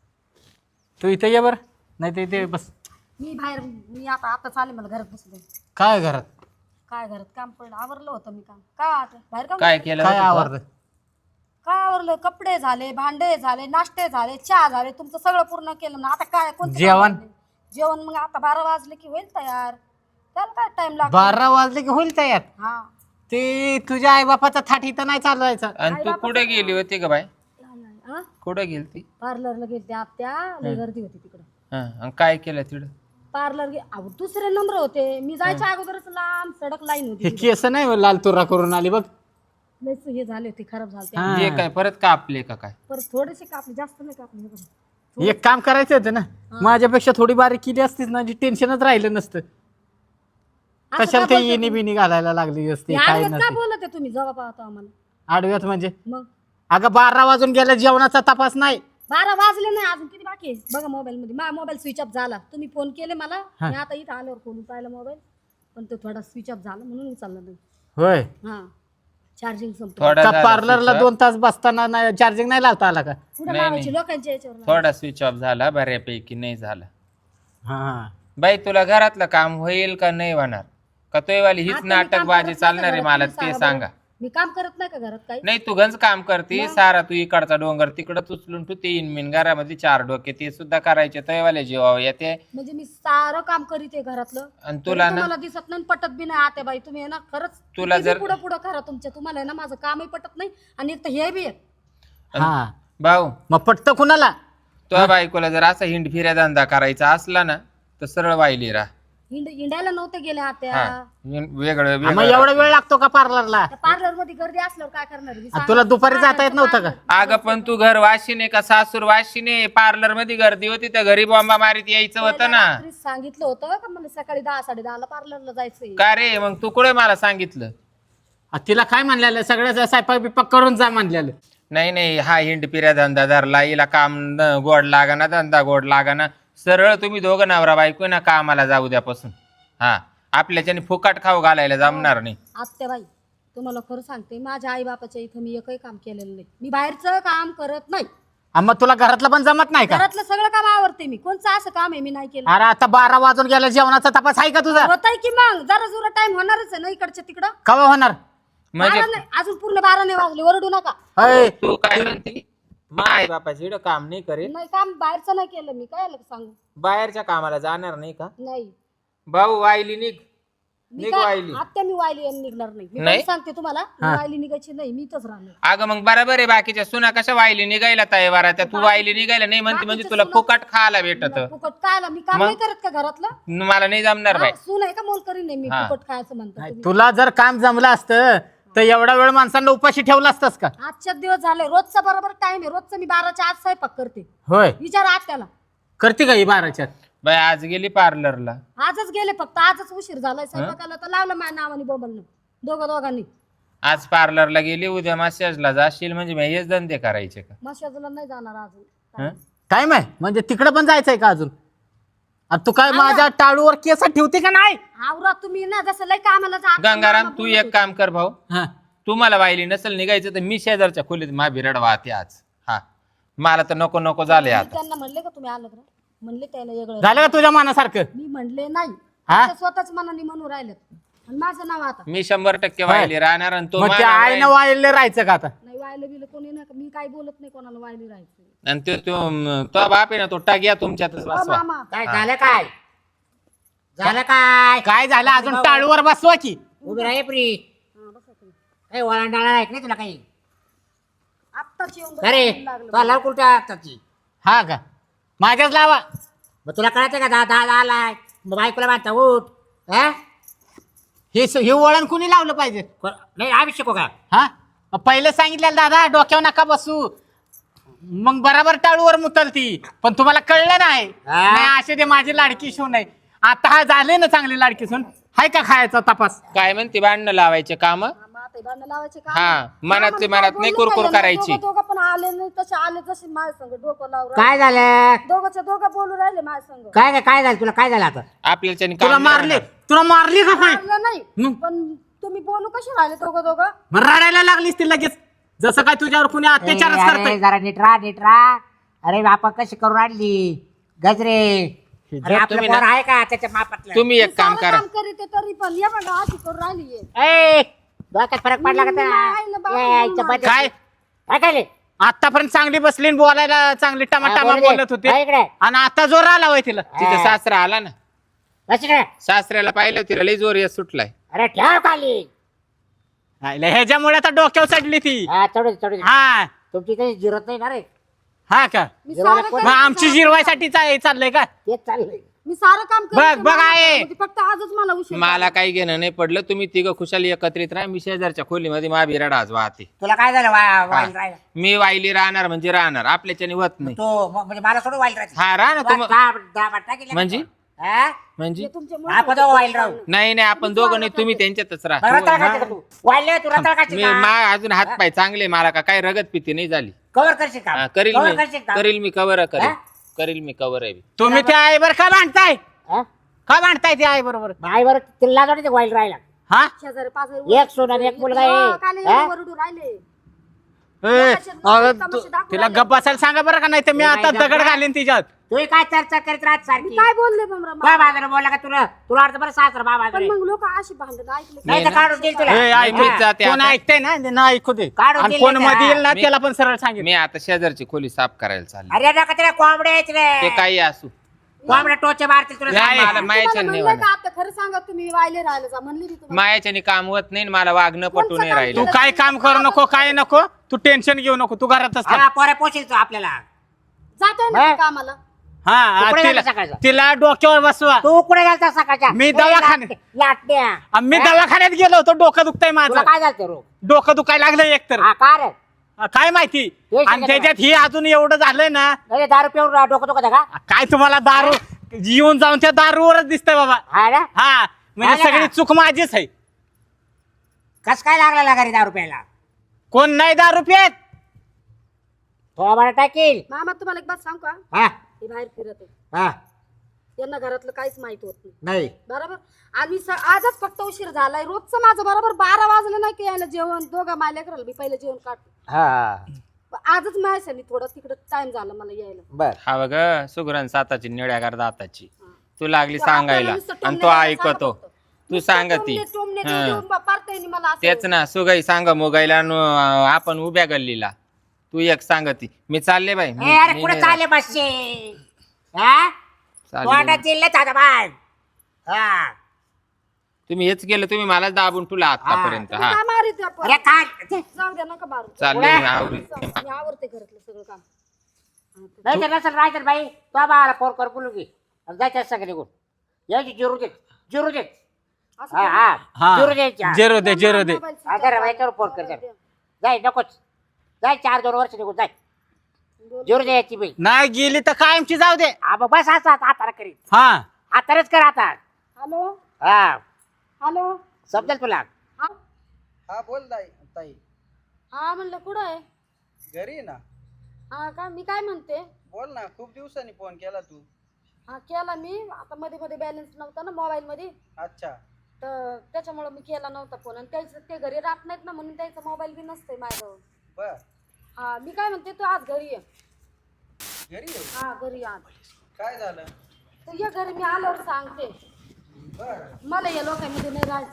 Speaker 4: तू इथे ये बरं नाही तर इथे बस.
Speaker 2: मी बाहेर मी आता आता चालेल मला घरात बसले.
Speaker 4: काय घरात
Speaker 2: काय घरात काम पडलं आवरलं होतं मी काम काय आता बाहेर काम
Speaker 3: काय केलं
Speaker 4: काय
Speaker 3: होतं तो?
Speaker 4: आवडतं.
Speaker 2: काय आवरलं कपडे झाले भांडे झाले नाश्ते झाले चहा झाले तुमचं सगळं पूर्ण केलं ना आता काय कोणतं काम
Speaker 4: जेवण?
Speaker 2: राहिलंय? जेवण मग आता बारा वाजले की होईल तयार त्याला काय टाइम लागतो.
Speaker 4: बारा वाजले की होईल तयार.
Speaker 2: हा
Speaker 4: ते तुझ्या आई बापाचा थाट इथं नाही चालवायचा.
Speaker 3: आणि तू कुठे गेली होती का बाय
Speaker 2: हा
Speaker 3: कुठे गेली ती
Speaker 2: पार्लरला गेलते आत्या लय गर्दी होती तिकडं.
Speaker 3: हं, आणि काय केलं तिकडं
Speaker 2: पार्लर गे अहो दुसरे नंबर होते मी जायच्या अगोदरच लांब सडक लाईन
Speaker 4: हे
Speaker 2: होती
Speaker 4: केस नाही हो, लाल तुरा करून आली बघ.
Speaker 2: लयच हे झाले होते खराब झाले
Speaker 4: हा.
Speaker 3: हे काय परत कापले का काय
Speaker 2: परत थोडेसे कापले जास्त नाही कापले हे बघा.
Speaker 4: एक काम करायचं होतं ना माझ्यापेक्षा थोडी बारीक केली असतीस ना जी टेन्शनच राहिलं नसतं.
Speaker 2: असं
Speaker 4: कशाला
Speaker 2: का
Speaker 4: ते
Speaker 2: बोलता
Speaker 4: येणी बिनी घालायला लागली असते
Speaker 2: हे
Speaker 4: काय
Speaker 2: आडव्यात
Speaker 4: नसते.
Speaker 2: का बोलत आहे तुम्ही जेव्हा पाहतो आम्हाला
Speaker 4: आडव्यात म्हणजे
Speaker 2: मग
Speaker 4: अगं बारा वाजून गेल्या जेवणाचा तपास नाही.
Speaker 2: बारा वाजले नाही अजून किती बाकी आहे बघा मोबाईल मध्ये माझा मोबाईल स्विच ऑफ झाला तुम्ही फोन केले मला मी आता इथं आल्यावर फोन पाहिला मोबाईल पण तो थोडा स्विच ऑफ झाला म्हणून उचलला नाही.
Speaker 4: होय
Speaker 2: हा चार्जिंग संपलं
Speaker 3: थोडा
Speaker 4: का
Speaker 3: झाला
Speaker 4: पार्लरला
Speaker 3: switch off.
Speaker 4: दोन तास बसताना चार्जिंग नाही लावता आला का.
Speaker 2: पुढे
Speaker 3: नाही,
Speaker 2: लावायची
Speaker 3: नाही.
Speaker 2: लोकांच्या याच्यावर
Speaker 3: थोडा स्विच ऑफ झाला बऱ्यापैकी नाही झाला.
Speaker 4: हा
Speaker 3: बाई तुला घरातलं काम होईल का नाही होणार का तोयवाली हीच
Speaker 2: आता मी काम
Speaker 3: नाटकबाजी
Speaker 2: करत नाही
Speaker 3: चालणार आहे
Speaker 2: का
Speaker 3: मला
Speaker 2: घरात?
Speaker 3: ते
Speaker 2: तुम्ही
Speaker 3: सांगा.
Speaker 2: बरं. मी काम करत नाही का घरात काही
Speaker 3: नाही तू गंज काम करते सारा तू इकडचा डोंगर तिकडं उचलून तू ते इनमिन घरामध्ये चार डोके ते सुद्धा करायचे तयवाले जीवावर येते.
Speaker 2: म्हणजे मी सारं काम करीत आहे घरातलं
Speaker 3: आणि तुला ना
Speaker 2: मला दिसत नाही पटत बी नाही आते बाई तुम्ही आहे ना खरंच
Speaker 3: तुला जर-
Speaker 2: पुढं पुढं करा तुमच्या तुम्हाला आहे ना माझं कामही पटत नाही आणि एक तर हे बी आहे
Speaker 4: हा
Speaker 3: भाऊ
Speaker 4: मग पटतं कुणाला.
Speaker 3: तुझ्या बायकोला जर असा हिंड फिऱ्या धंदा करायचा असला ना तर सरळ वाहिली राहा.
Speaker 2: हिंड हिंडायला नव्हते गेले आत्या
Speaker 3: हा हिंड- वेगळं
Speaker 4: मग
Speaker 3: वेगळं
Speaker 4: एवढा वेळ लागतो का पार्लरला.
Speaker 2: त्या पार्लर मध्ये गर्दी असल्यावर काय करणार मी
Speaker 4: आणि
Speaker 2: सांगा.
Speaker 4: तुला दुपारी जाता येत नव्हतं का.
Speaker 3: अगं पण तू घर वाशिने का सासूर वाशिने पार्लर मध्ये गर्दी होती तर घरी बॉम्बा मारीत यायचं होतं ना.
Speaker 2: रात्रीच सांगितलं होतं का मला सकाळी दहा साडे दहाला पार्लरला जायचंय
Speaker 3: का रे मग तू कुठे मला सांगितलं.
Speaker 4: आ, तिला काय म्हणलेलं सगळ्याचा स्वयंपाक बिपाक करून जा म्हणलेलं.
Speaker 3: नाही नाही हा हिंड पिऱ्या धंदा धरला हिला काम न- गोड लागाना धंदा गोड लागाना सरळ तुम्ही दोघं नवरा बायको ना कामाला जाऊ द्यापासून हा आपल्याच्याने फुकाट खाऊ घालायला जमणार नाही.
Speaker 2: आत्याबाई तुम्हाला खरं सांगते माझ्या आई बापाच्या इथं मी एकही काम केलेलं नाही. मी बाहेरचं काम करत नाही.
Speaker 4: मग तुला घरातलं पण जमत नाही का?
Speaker 2: घरातलं सगळं काम आवडते मी. कोणचं असं काम आहे मी नाही केलं?
Speaker 4: अरे आता बारा वाजून गेला जेवणाचा तपास आहे का तुझा?
Speaker 2: होतंय की मग जरा जुरा टाइम होणारच आहे ना इकडच्या तिकडं.
Speaker 4: कवा होणार?
Speaker 3: म्हणजे
Speaker 2: बारा नाही, अजून पूर्ण बारा नाही वाजले. ओरडू नका.
Speaker 4: अय,
Speaker 3: तू काय म्हणते माय बापाची इकडं काम नाही करेल
Speaker 2: नाही काम बाहेरचं नाही केलं मी. काय आलं सांगू?
Speaker 3: बाहेरच्या कामाला जाणार नाही का?
Speaker 2: नाही
Speaker 3: भाऊ वायली निघ
Speaker 2: मी
Speaker 3: निघ
Speaker 2: काय
Speaker 3: वायली.
Speaker 2: आत्या मी वायली आणि निघणार नाही. मी
Speaker 3: नाही?
Speaker 2: पण सांगते तुम्हाला मी वायली निघायची नाही. मी इथंच राहणार.
Speaker 3: अगं मग बरोबर आहे बाकीच्या सुना कशा वायली निघायला तयार त्या तू वायली निघायला नाही म्हणते म्हणजे तुला फुकट खायला भेटत
Speaker 2: फुकट काय आला? मी काम नाही करत का घरातलं?
Speaker 3: मला नाही जमणार बाई.
Speaker 2: हा, सून आहे का मोल करीन नाही मी.
Speaker 3: हा.
Speaker 2: फुकट खायचं म्हणतात तुम्ही.
Speaker 4: तुला जर काम जमलं असतं तर एवढा वेळ माणसांना उपाशी ठेवलं असतंस का?
Speaker 2: आजच्या दिवस झाले. रोजचा बरोबर टाइम आहे. रोजचं मी बाराच्या आत स्वयंपाक करते.
Speaker 4: होय,
Speaker 2: विचार आत्याला.
Speaker 4: करते का ही बाराच्यात?
Speaker 3: बाई आज गेली पार्लरला
Speaker 2: आजच गेले फक्त. आजच उशीर झालाय स्वयंपाकाला तर लावलं माझ्या नावाने बोंबलनं दोघं दोघांनी.
Speaker 3: आज पार्लरला गेली उद्या मसाजला जाशील म्हणजे मी हेच धंदे करायचे का?
Speaker 2: मशाजला नाही जाणार अजून.
Speaker 3: हं?
Speaker 4: टाइम आहे म्हणजे तिकडे पण जायचंय का अजून? आता तू काय माझ्या टाळूवर केस ठेवते का नाही?
Speaker 2: आवरा तुम्ही ना जसं लय कामाला जा.
Speaker 3: गंगाराम तू एक काम कर भाऊ
Speaker 4: हा.
Speaker 3: तू मला वाहिली नसेल निघायचं तर मी शेजारच्या खोलीत माझी रड वाहते आज. हा मला तर नको नको झाले
Speaker 2: मी
Speaker 3: आता.
Speaker 2: त्यांना म्हणले का तुम्ही आलं का? म्हणले त्याला वेगळं.
Speaker 4: झालं का तुझ्या मनासारखं?
Speaker 2: मी म्हणले नाही.
Speaker 4: हा?
Speaker 2: त्या स्वतःच मनाने म्हणून राहिलेत. आणि माझं नाव आता
Speaker 3: मी शंभर टक्के वाहिली राहणार आणि तो
Speaker 4: मग त्या
Speaker 3: मानावर
Speaker 4: आईनं
Speaker 3: राहील.
Speaker 4: वायले राहायचं का आता?
Speaker 2: नाही वायलं बिलं कोणी नाही. मी काय बोलत नाही कोणाला वायली राहायचं.
Speaker 3: आणि तो तो तो बाप आहे ना तो टाक्या तुमच्यातच
Speaker 2: अ,
Speaker 3: बसवा.
Speaker 2: मामा
Speaker 1: काय झालं काय झालं काय
Speaker 4: काय झालं अजून टाळूवर बसवा की?
Speaker 1: उभी राही प्री
Speaker 2: हा, बसा तुम्ही.
Speaker 1: काही वळणडाळा आहे नाही तुला काही?
Speaker 2: आत्ताच येऊन
Speaker 1: अरे
Speaker 2: बसायला लागलं.
Speaker 1: तुला लाव कुठच्या आत्ताची
Speaker 4: हा का? माझ्याच लावा.
Speaker 1: मग तुला कळतं का दहा दहा आलाय मग बायकोला बांधता उठ हा
Speaker 4: हे स- हे वळण कुणी लावलं पाहिजे?
Speaker 1: को- नाही आवश्यक हो का
Speaker 4: हा मग पहिले सांगितलेलं दादा डोक्यावर नका बसू मग बराबर टाळूवर मुतलती पण तुम्हाला कळलं नाही.
Speaker 1: हा?
Speaker 4: नाही असे ते माझी लाडकी सून आहे. आता हा झाले ना चांगली लाडकी सून हाय का खायचा तपास?
Speaker 3: काय म्हणते भांडणं लावायचे काम
Speaker 2: मामा आता भांडणं लावायचे का?
Speaker 3: हा, मनात ते
Speaker 2: मामा,
Speaker 3: मनात
Speaker 2: काय
Speaker 3: नाही
Speaker 2: बोलले
Speaker 3: कुरकुर
Speaker 2: काय?
Speaker 3: करायची.
Speaker 2: दोघं दोघं पण आले नाही तसे आले जसे माझ्या संग डोकं लावून
Speaker 1: काय झालं
Speaker 2: दोघंच्या दोघं बोलू राहिले माझ्या संग.
Speaker 1: काय काय काय झालं तुला काय झालं आता
Speaker 3: आपल्याच्याने
Speaker 4: तुला
Speaker 3: काम नाही
Speaker 4: मारले
Speaker 3: होणार.
Speaker 4: तुला मारली का काय?
Speaker 2: मारलं नाही
Speaker 4: मग?
Speaker 2: पण तुम्ही बोलू कसे राहिले दोघं दोघं?
Speaker 4: मग रडायला लागलीस ती लगेच जसं काय तुझ्यावर कुणी अत्याचारच
Speaker 1: अरे,
Speaker 4: करतंय.
Speaker 1: जरा नीट राहा नीट राहा अरे बापा कशी करून आणली गजरे अरे आपलं
Speaker 3: तुम्ही
Speaker 1: पोर
Speaker 3: ना-
Speaker 1: आहे का त्याच्या मापातलं
Speaker 3: तुम्ही एक काम
Speaker 2: सारं
Speaker 3: करा
Speaker 2: काम करीते तरी पण या बघा अशी करून राहिली
Speaker 1: ए, डोक्यात फरक पडला का
Speaker 2: मी नाही ना, बाबा,
Speaker 1: त्याला? यायचं
Speaker 2: मी
Speaker 1: बंद.
Speaker 4: काय?
Speaker 1: काय केले?
Speaker 4: आतापर्यंत चांगली बसली आणि बोलायला चांगली
Speaker 1: हा,
Speaker 4: टमाटामा
Speaker 1: बोलू दे.
Speaker 4: बोलत होते
Speaker 1: हा, इकडे.
Speaker 4: आणि आता जोर आला होय तिला.
Speaker 3: तिचा
Speaker 1: हा.
Speaker 3: सासरा आला ना
Speaker 1: बस इकडे.
Speaker 3: सासऱ्याला पाहिलं तिला लई जोर येत सुटलाय.
Speaker 1: अरे ठेव खाली
Speaker 4: हायला, ह्याच्यामुळे आता डोक्यावर चढली ती.
Speaker 1: हा चढू दे, चढू दे.
Speaker 4: हा
Speaker 1: तुमची काही जिरत नाही ना रे
Speaker 4: हा का?
Speaker 2: मी
Speaker 1: जेवायला
Speaker 2: सारं
Speaker 1: कोण-
Speaker 4: मग
Speaker 2: काम-
Speaker 4: आमची जिरवायसाठी चा- चाललंय का?
Speaker 1: तेच चाललंय
Speaker 2: मी सारं काम
Speaker 4: बघ,
Speaker 2: करते
Speaker 4: बघ
Speaker 2: मला
Speaker 4: आहे.
Speaker 2: होती, फक्त आजच मला उशीर
Speaker 3: मला
Speaker 2: झाला.
Speaker 3: काही घेणं नाही पडलं तुम्ही तिघं खुशाली एकत्रित राहा मी शेजारच्या खोलीमध्ये मा बिराड आज वाहते.
Speaker 1: तुला काय झालं वा- वाईल
Speaker 3: हा.
Speaker 1: राहिला
Speaker 3: मी वाहिली राहणार म्हणजे राहणार आपल्याच्याने होत नाही.
Speaker 1: तो म- म्हणजे मला सोडून वाईल राहायचं
Speaker 3: हा राहा ना
Speaker 1: तू
Speaker 3: तुम
Speaker 1: दहा दहा बाटल्या केल्या
Speaker 3: म्हणजे?
Speaker 1: का? हा?
Speaker 3: म्हणजे
Speaker 2: हे तुमच्यामुळे
Speaker 1: आपण दोघं वाईल राहू
Speaker 3: नाही नाही आपण दोघं नाही तुम्ही त्यांच्यातच
Speaker 1: बरं,
Speaker 3: राहा.
Speaker 1: रताळ खायचं का तू वाईल तू रताळ खायची
Speaker 3: मी
Speaker 1: का?
Speaker 3: मा अजून हात पाय चांगले मला का काही रगत पिती नाही झाली.
Speaker 1: कवर करशील का
Speaker 3: हा, करील
Speaker 1: कवर
Speaker 3: मी
Speaker 1: करशील का
Speaker 3: करील मी कवर करील
Speaker 1: हा?
Speaker 3: करील मी कवर आहे.
Speaker 4: तुम्ही त्या आईवर का भांडताय?
Speaker 1: हा?
Speaker 4: का भांडताय त्या आई बरोबर?
Speaker 1: बाई बरं तिला जोडी वाईल राहिला
Speaker 4: हा
Speaker 2: शेजारी पाजारी
Speaker 1: एक सोना आणि एक मुलगा आहे.
Speaker 2: हो, काल
Speaker 1: हा?
Speaker 2: एवढे वरडू राहिले.
Speaker 4: ए,
Speaker 2: लोकांचे
Speaker 4: अगं,
Speaker 2: तमाशे
Speaker 4: तू-
Speaker 2: दाखवून
Speaker 4: तिला
Speaker 2: राहिले.
Speaker 4: गप्प बसायला सांगा बरं का नाही तर मी
Speaker 1: तू
Speaker 4: आता
Speaker 1: काय
Speaker 4: दगड
Speaker 1: गप्प?
Speaker 4: घालीन तिच्यात.
Speaker 1: तू काय चर्चा करीत राहत
Speaker 2: मी
Speaker 1: सारखी
Speaker 2: काय बोलले बमरा
Speaker 1: काय बाजार बोलला का तुला तुला वाटतं बरं सासरा बा
Speaker 2: पण
Speaker 1: बाजार
Speaker 2: मग लोक अशी भांडण ऐकले
Speaker 1: नाही तर काढून देईल तुला
Speaker 4: ए, ऐक-
Speaker 3: मीच जाते
Speaker 4: कोण
Speaker 3: आता.
Speaker 4: ऐकतंय ना ना ऐकू दे
Speaker 1: काढून
Speaker 4: आणि
Speaker 1: दिले
Speaker 4: कोण
Speaker 1: का?
Speaker 4: मध्ये येईल ना
Speaker 3: मी-
Speaker 4: त्याला पण सरळ सांगेल.
Speaker 3: मी आता शेजारची खोली साफ करायला चालली.
Speaker 1: अरे नका तिला कोंबड्या आहेत रे
Speaker 3: ते काही असू
Speaker 1: कोंबड्या टोचे मारतील तुला
Speaker 3: नाही,
Speaker 1: सांग
Speaker 3: मला
Speaker 1: मला.
Speaker 3: मायाच्या नाही
Speaker 2: म्हणलं
Speaker 3: वाटत.
Speaker 2: का आता खरं सांगा तुम्ही वायले राहिले जा म्हणली मी तुम्हाला.
Speaker 3: मायाच्याने काम होत नाही आणि मला वागणं पटू
Speaker 2: कोणचं
Speaker 3: नाही
Speaker 2: काम
Speaker 3: राहिलं.
Speaker 4: तू काय काम करू नको काय नको तू टेन्शन घेऊ नको तू घरातच थांब.
Speaker 1: हा पोऱ्या पोचेल तू आपल्याला
Speaker 2: जातोय ना
Speaker 1: हा?
Speaker 2: तू कामाला
Speaker 4: हा
Speaker 1: कुठे
Speaker 4: तिला
Speaker 1: गेला सकाळचा?
Speaker 4: तिला डोक्यावर बसवा.
Speaker 1: तू कुठे गेलता सकाळच्या
Speaker 4: मी
Speaker 1: ए,
Speaker 4: दवाखान्यात.
Speaker 1: लाट- लाटण्या
Speaker 4: मी
Speaker 1: हा?
Speaker 4: दवाखान्यात गेलो होतो डोकं दुखतंय
Speaker 1: तुला
Speaker 4: माझं
Speaker 1: काय झालं रोग
Speaker 4: डोकं दुखायला लागलं एकतर
Speaker 1: हा का रे
Speaker 4: काय माहिती
Speaker 1: हे
Speaker 4: आणि
Speaker 1: सांगा
Speaker 4: त्याच्यात ही अजून एवढं झालंय ना
Speaker 1: अरे दारू पिऊन रा- डोकं दुखत का
Speaker 4: काय तुम्हाला दारू येऊन जाऊन त्या दारूवरच दिसतंय बाबा.
Speaker 1: हा ना
Speaker 4: हा म्हणजे
Speaker 1: आलं का?
Speaker 4: सगळी चूक माझीच आहे.
Speaker 1: कस काय लागला घरी दारू प्यायला
Speaker 4: कोण नाही दारू पियत
Speaker 1: तो आम्हाला टाकील.
Speaker 2: मामा तुम्हाला एक बात सांगू का,
Speaker 1: हा
Speaker 2: हे बाहेर फिरत आहे,
Speaker 1: हा
Speaker 2: यांना घरातलं काहीच माहित होत नाही
Speaker 1: नाही
Speaker 2: बरोबर. आणि स- आजच फक्त उशीर झालाय, रोजचं माझं बरोबर बारा वाजलं नाही की यायला जेवण दोघं मायला करायला मी पहिलं जेवण काढतो.
Speaker 1: हा
Speaker 2: आजच माझ्यासाठी थोडं तिकडं टाइम झाला मला यायला.
Speaker 1: बर
Speaker 3: हा बघ सुगरण साताची निळ्यागार दाताची
Speaker 2: हा.
Speaker 3: तू लागली
Speaker 2: तो आपल्याला
Speaker 3: सांगायला
Speaker 2: नुसतं
Speaker 3: आणि तो
Speaker 2: टोमण्याला
Speaker 3: ऐकतो
Speaker 2: सांगत होतं.
Speaker 3: तू
Speaker 2: नुसतं
Speaker 3: सांगती
Speaker 2: टोमणे- टोमणे
Speaker 3: हा.
Speaker 2: देऊन बा- पारता येईनी मला असं.
Speaker 3: तेच ना सुगाई सांग मोगाईला न आपण उभ्या गल्लीला तू एक सांगती मी चालले बाई मी-
Speaker 1: ए, अरे
Speaker 3: मी
Speaker 1: कुठे
Speaker 3: नाही
Speaker 1: चालले बसचे हा
Speaker 3: चालले.
Speaker 1: तोंडात जिल्ह्यात आता बाय हा
Speaker 3: तुम्ही हेच केलं तुम्ही मलाच दाबून तुला आतापर्यंत
Speaker 2: तुम्ही
Speaker 3: हा
Speaker 2: काय मारित आपण?
Speaker 1: अरे काय
Speaker 2: जाऊ द्या नका मारू.
Speaker 3: चालले मी आवरी
Speaker 2: मी आवरते घरातलं सगळं काम.
Speaker 1: नाही तर नसेल राहायचं बाई तो बाळाला फोन कर बोलू की जायचं सगळे निघून यायची जिरू दे जिरू दे
Speaker 2: असं
Speaker 1: हा
Speaker 2: करू.
Speaker 1: हा जिरू द्यायची
Speaker 4: जेरो दे जेरो दे
Speaker 2: मोबाईल switch
Speaker 1: अगर
Speaker 2: off
Speaker 1: याच्यावर फोन कर
Speaker 2: झाला.
Speaker 1: जरा. जाय नकोच जाय चार दोन वर्ष निघून जाय जिरू द्यायची बाई
Speaker 4: नाही गेली तर कायमची जाऊ दे.
Speaker 1: हा मग बस असं आता हाताला करीत
Speaker 4: हा
Speaker 1: हातानेच कर आता
Speaker 2: हॅलो
Speaker 1: हा
Speaker 2: हॅलो
Speaker 1: समजेल तुला
Speaker 2: हा
Speaker 5: हा बोल ताई ताई
Speaker 2: हा म्हणलं कुठं आहे?
Speaker 5: घरी आहे ना.
Speaker 2: हा का मी काय म्हणते,
Speaker 5: बोल ना, खूप दिवसांनी फोन केला तू.
Speaker 2: हा केला मी आता मध्ये मध्ये बॅलन्स नव्हता ना मोबाईल मध्ये,
Speaker 5: अच्छा.
Speaker 2: तर त्याच्यामुळे मी केला नव्हता फोन. आणि त्याचं ते घरी राहत नाहीत ना म्हणून त्याचा मोबाईल बी नसतंय माझ्याजवळ.
Speaker 5: बर.
Speaker 2: हा मी काय म्हणते तू आज घरी ये.
Speaker 5: घरी आहे.
Speaker 2: हा घरी आज
Speaker 5: काय झालं?
Speaker 2: तर ये घरी, मी आल्यावर सांगते.
Speaker 5: बर.
Speaker 2: मला या लोकांमध्ये नाही राहायचं,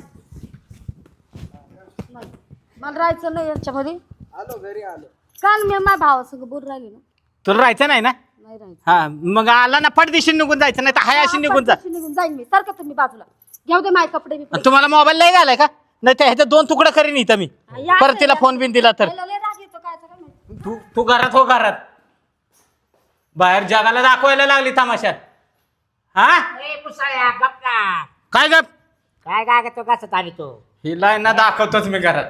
Speaker 2: नाही. मला राहायचं नाही याच्यामध्ये.
Speaker 5: आलो घरी आलो.
Speaker 2: काल मी माझ्या भावासंग बोल राहिले ना,
Speaker 4: तुला राहायचं नाही ना.
Speaker 2: नाही राहायचं.
Speaker 4: हा मग आला ना पटदिशी निघून जायचं नाही तर हाय अशी निघून जा.
Speaker 2: हा, निघून जाईन मी. सारखं तुम्ही बाजूला घेऊ दे माझे कपडे बिपडे.
Speaker 4: तुम्हाला मोबाईल नाही घालाय का, नाही तर ह्याचे दोन तुकडे करीन इथं मी.
Speaker 2: हा, या
Speaker 4: परत तिला
Speaker 2: या.
Speaker 4: फोन बिन दिला तर
Speaker 2: याला लय राग येतो काय काय माहिती.
Speaker 4: तू तू घरात हो घरात, बाहेर जगाला दाखवायला लागली तमाशा. हा
Speaker 1: ए, मुसाळ्या, गप ना.
Speaker 4: काय गप
Speaker 1: काय काय तो कसं ताणी तो
Speaker 4: हिला ना दाखवतोच मी घरात.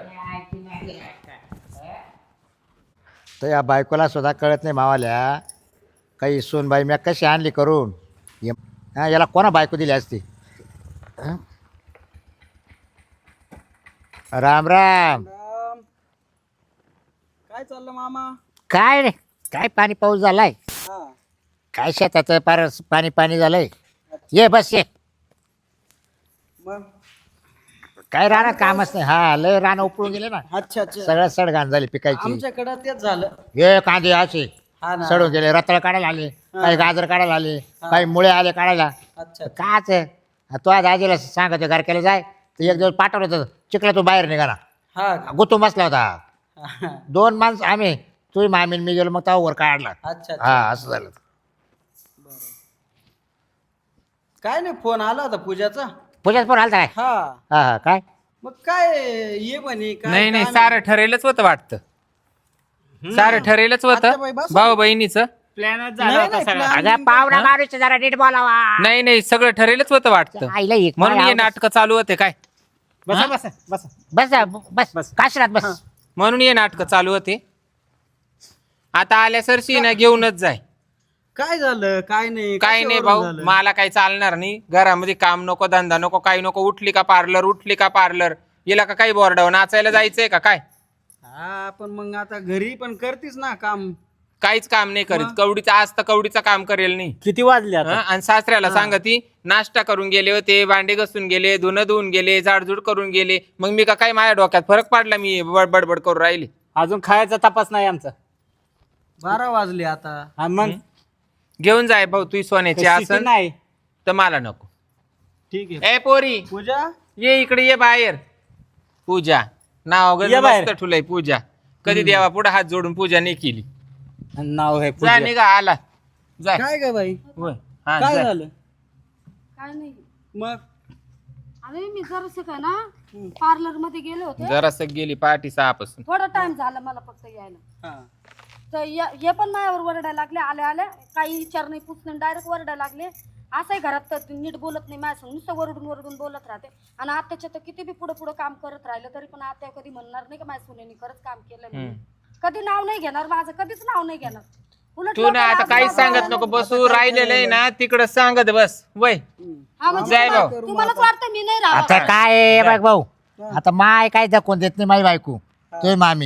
Speaker 6: तर या बायकोला सुद्धा कळत नाही मावाल्या काही सोनबाई मी कशी आणली करून ये- हा याला कोणा बायको दिली असती. हं? राम राम.
Speaker 5: राम. काय चाललं मामा?
Speaker 1: काय रे काय पाणी पाऊस झालाय
Speaker 5: हा.
Speaker 1: काय शेताचं पार पाणी पाणी झालंय. ये बस ये
Speaker 5: मग.
Speaker 1: काय राहणार कामच नाही. हा लय रान उपळून गेले ना,
Speaker 5: अच्छा अच्छा.
Speaker 1: सगळं सडघाण झाली पिकायची.
Speaker 5: आमच्याकडं तेच झालं.
Speaker 1: हे कांदे असे
Speaker 5: हा ना.
Speaker 1: सडून गेले, रताळ काढायला आले, काही गाजर काढायला आले, काही मुळे आले काढायला.
Speaker 5: अच्छा.
Speaker 1: काच तो आज आजीला सांगत घरक्याला जाय तर एक दिवस पाठवलं होतं चिखला तो बाहेर निघाला
Speaker 5: हा का?
Speaker 1: गुतून बसला होता.
Speaker 5: हा.
Speaker 1: दोन माणसं आम्ही तुझी मामीन मी गेलो मग तेव्हा वर काढला.
Speaker 5: अच्छा अच्छा.
Speaker 1: हा असं झालं.
Speaker 5: काय नाही, फोन आला होता पूजाचा.
Speaker 1: पूजाच पण आलता काय
Speaker 5: हा.
Speaker 1: हा हा काय
Speaker 5: मग काय ये म्हणे काय
Speaker 3: नाही नाही
Speaker 5: काम
Speaker 3: सारं ठरेलच होतं वाटतं सारं ठरेलच होतं
Speaker 5: आत्याबाई बसा.
Speaker 3: भाऊ बहिणीचं
Speaker 4: प्लॅनच
Speaker 5: नाही,
Speaker 4: झाला होता
Speaker 5: नाही,
Speaker 4: सगळा.
Speaker 5: plan-
Speaker 1: अगं पाहुणा माणूस जरा नीट बोलावा.
Speaker 3: नाही नाही सगळं ठरेलच होतं वाटतं
Speaker 1: आईला एक
Speaker 3: म्हणून हे
Speaker 1: आवडत.
Speaker 3: नाटकं चालू होते काय
Speaker 4: बसा बसा बसा.
Speaker 1: बस बस बस काशरात बस.
Speaker 3: म्हणून हे नाटकं चालू होते. आता आल्या सरशी ना घेऊनच जाय.
Speaker 5: काय झालं काय नाही
Speaker 3: काय नाही
Speaker 5: कशावरून
Speaker 3: भाऊ
Speaker 5: झालं?
Speaker 3: मला काही चालणार नाही. घरामध्ये काम नको, धंदा नको, काही नको. उठली का पार्लर, उठली का पार्लर. हिला का काही बोर्डावर नाचायला जायचंय का काय?
Speaker 5: हा पण मग आता घरी पण करतीस ना काम.
Speaker 3: काहीच काम नाही करीत. कवडीचं आज तर कवडीचं काम करेल नाही.
Speaker 4: किती वाजले
Speaker 3: हं?
Speaker 4: आता?
Speaker 3: आणि सासऱ्याला सांगती नाश्ता करून गेले होते, भांडे घासून गेले, धुणं धुवून गेले, झाडझूड करून गेले. मग मी का काय माझ्या डोक्यात फरक पडला, मी बड- बडबड करून राहिली.
Speaker 4: अजून खायचा तपास नाही आमचा.
Speaker 5: बारा वाजले आता.
Speaker 4: हा मग
Speaker 3: घेऊन जाय भाऊ तुझी सोन्याची
Speaker 4: स्थिती
Speaker 3: आसन
Speaker 4: नाही.
Speaker 3: तर मला नको.
Speaker 5: ठीक आहे.
Speaker 3: ए पोरी
Speaker 5: पूजा.
Speaker 3: ये इकडे ये बाहेर. पूजा नाव
Speaker 4: ये बाहेर.
Speaker 3: मस्त ठुलय पूजा. कधी देवा पुढे हात जोडून पूजा नाही केली.
Speaker 4: नाव आहे
Speaker 3: जा
Speaker 4: पूजा.
Speaker 3: निघा आला जाय.
Speaker 5: काय ग बाई?
Speaker 3: होय. हा,
Speaker 5: काय
Speaker 3: जाय.
Speaker 5: झालं?
Speaker 2: काय नाही.
Speaker 5: मग
Speaker 2: अरे मी जरासं काय ना पार्लर मध्ये गेले होते,
Speaker 3: जरासं गेली पाठी सहापासून.
Speaker 2: थोडा टाइम झाला मला फक्त यायला.
Speaker 5: हा.
Speaker 2: तर या- हे पण माझ्यावर वरडायला लागले, आल्या आल्या काही विचार नाही पुस नाही, डायरेक्ट वरडायला लागले. असंही घरात तर नीट बोलत नाही माझ्या, नुसतं वरडून वरडून बोलत राहते. आणि आत्याच्या तर किती बी पुढे पुढे काम करत राहिलं तरी पण आत्या कधी म्हणणार नाही का माझ्या सुनेनी खरंच काम केलं म्हणून. कधी नाव नाही घेणार माझं, कधीच नाव नाही घेणार. उलट
Speaker 3: तू ना
Speaker 2: लोकांना
Speaker 3: आता काहीच
Speaker 2: आजूबाजूला
Speaker 3: सांगत नको बसू. राहिलेलं आहे ना तिकडं सांगत बस वय.
Speaker 2: हा, म्हणजे
Speaker 3: जाय
Speaker 2: तुम्हाला-
Speaker 3: भाऊ.
Speaker 2: तुम्हालाच वाटतं मी नाही राहणार.
Speaker 1: आता काय आहे बघ भाऊ, आता माय काय दाखवून देत नाही माझी बायको तुझी मामी.